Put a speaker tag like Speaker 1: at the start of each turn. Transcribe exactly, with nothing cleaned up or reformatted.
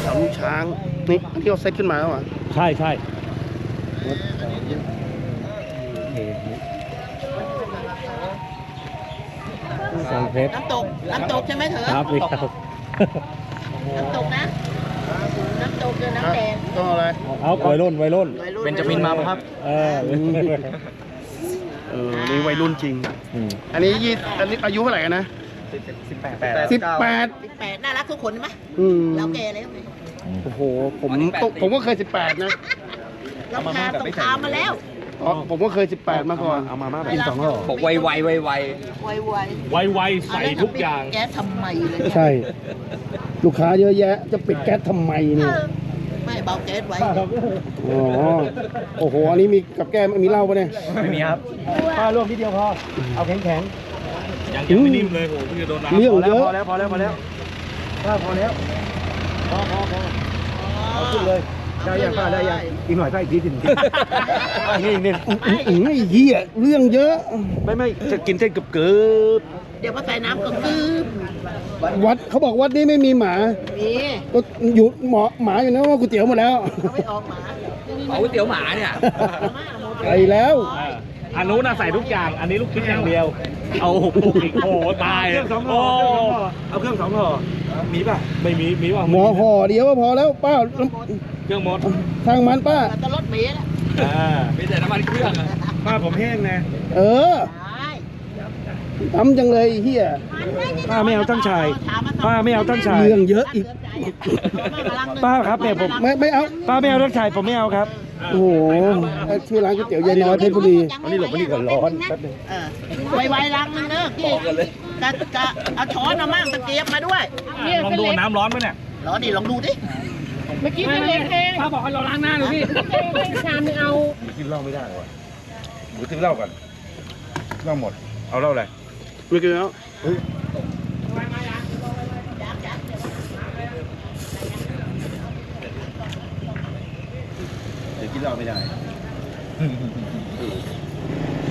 Speaker 1: แถวลูกช้างนี่ที่เขาเซตขึ้นมาแล้วอ่ะ
Speaker 2: ใช่ใช่สังเพชร
Speaker 3: น้ำตก น้ำตกใช่ไหมเถอะ
Speaker 2: ครับพี่ครับ
Speaker 3: น้ำตกนะ น้ำตกคือน้ำแดง
Speaker 1: ก็อะไร
Speaker 2: เอาวัยรุ่นวัยรุ่น
Speaker 3: วัยรุ่น
Speaker 4: เบนจามินมาปะครับ
Speaker 2: เออ
Speaker 1: เออนี่วัยรุ่นจริง
Speaker 2: อืม
Speaker 1: อันนี้ยี่อันนี้อายุเท่าไหร่กันนะ
Speaker 4: สิบแปด
Speaker 1: สิบแปด
Speaker 3: สิบแปดน่ารักทุกคนไหม
Speaker 1: อืม
Speaker 3: เราแก่แล้วไหม
Speaker 1: โอ้โหผมผมก็เคยสิบแปดนะ
Speaker 3: เราผ่านสงครามมาแล้ว
Speaker 1: อ๋อผมก็เคยสิบแปดมาก่อนเอามาม่าแบบสองห่อ
Speaker 4: บอกไวไวไวไว
Speaker 3: ไวไว
Speaker 2: ไวไวใส่ทุกอย่าง
Speaker 3: แกทำไมเลย
Speaker 1: ใช่ ลูกค้าเยอะแยะ จะปิดแก๊สทำไมเนี่ย
Speaker 3: ไม่เบาแก๊สไว้
Speaker 1: อ๋อโอ้โหอันนี้มีกับแก้มมีเหล้าปะเนี่ย
Speaker 4: ไม่มีครับ
Speaker 2: ป้าร่วมนิดเดียวพอ เอาแข็งแข็ง
Speaker 1: ยังยังไม่นิ่มเลยโหพี่จะโดนน้ำเรื่องเยอะ
Speaker 2: พอแล้วพอแล้วพอแล้วป้าพอแล้วพอพอพอเอาขึ้นเลยได้ยังป้าได้ยังอีกหน่อยป้าอีกทีสินี่นี่
Speaker 1: อื้อหือไอ้เหี้ยเรื่องเยอะ
Speaker 2: ไม่ไม่จะกินเส้นกับเกือบ
Speaker 3: เดี๋ยวพอใส่น้ำก็คืบ
Speaker 1: วัดเขาบอกวัดนี้ไม่มีหมา
Speaker 3: มี
Speaker 1: ก็อยู่หมอหมาอยู่นะว่าก๋วยเตี๋ยวหมดแล้ว
Speaker 3: เขาไม่ออกหมา
Speaker 4: เอาก๋วยเตี๋ยวหมาเนี่ย
Speaker 1: ไปแล้ว
Speaker 2: อันนู้นน่ะใส่ทุกอย่าง อันนี้ลูกชิ้นอย่างเดียว เอาอีกโอ้ตายโอ้เอาเครื่องสองห่อมีป่ะ ไม่มี มีป่ะ
Speaker 1: หมอห่อเดียวก็พอแล้วป้า
Speaker 2: เครื่องหมด
Speaker 1: ทางมันป้า
Speaker 3: แต่รถเมล์แล้ว
Speaker 2: อ่า
Speaker 4: มีแต่น้ำมันเครื่องอะ
Speaker 2: ป้าผมแห้งนะ
Speaker 1: เออ
Speaker 3: ได้
Speaker 1: ทำจังเลยไอ้เฮีย
Speaker 2: ป้าไม่เอาตั้งชายป้าไม่เอาตั้งชาย
Speaker 1: เรื่องเยอะอีก
Speaker 2: ป้าครับเนี่ยผม
Speaker 1: ไม่ไม่เอา
Speaker 2: ป้าไม่เอาตั้งชายผมไม่เอาครับ
Speaker 1: โอ้โหชื่อร้านก๋วยเตี๋ยวยายน้อยเพชรบุรี
Speaker 2: อันนี้หลบมานี่ก่อนร้อนแป๊บนึง
Speaker 3: เออไวๆลังนึงเนอะพี่จะจะเอาช้อนเอามั่งตะเกียบมาด้วย
Speaker 2: ลองดูน้ำร้อนไหมเนี่ย
Speaker 3: รอดิลองดูดิ
Speaker 5: เมื่อกี้เป็นเล็กเอง
Speaker 2: ป้าบอกให้เราล้างหน้าดูพี่
Speaker 5: ชามนึงเอา
Speaker 2: กินเหล้าไม่ได้หรอหนูซื้อเหล้าก่อนเหล้าหมด เอาเหล้าอะไร
Speaker 1: ไม่กินแล้ว
Speaker 2: เดี๋ยวกินเหล้าไม่ได้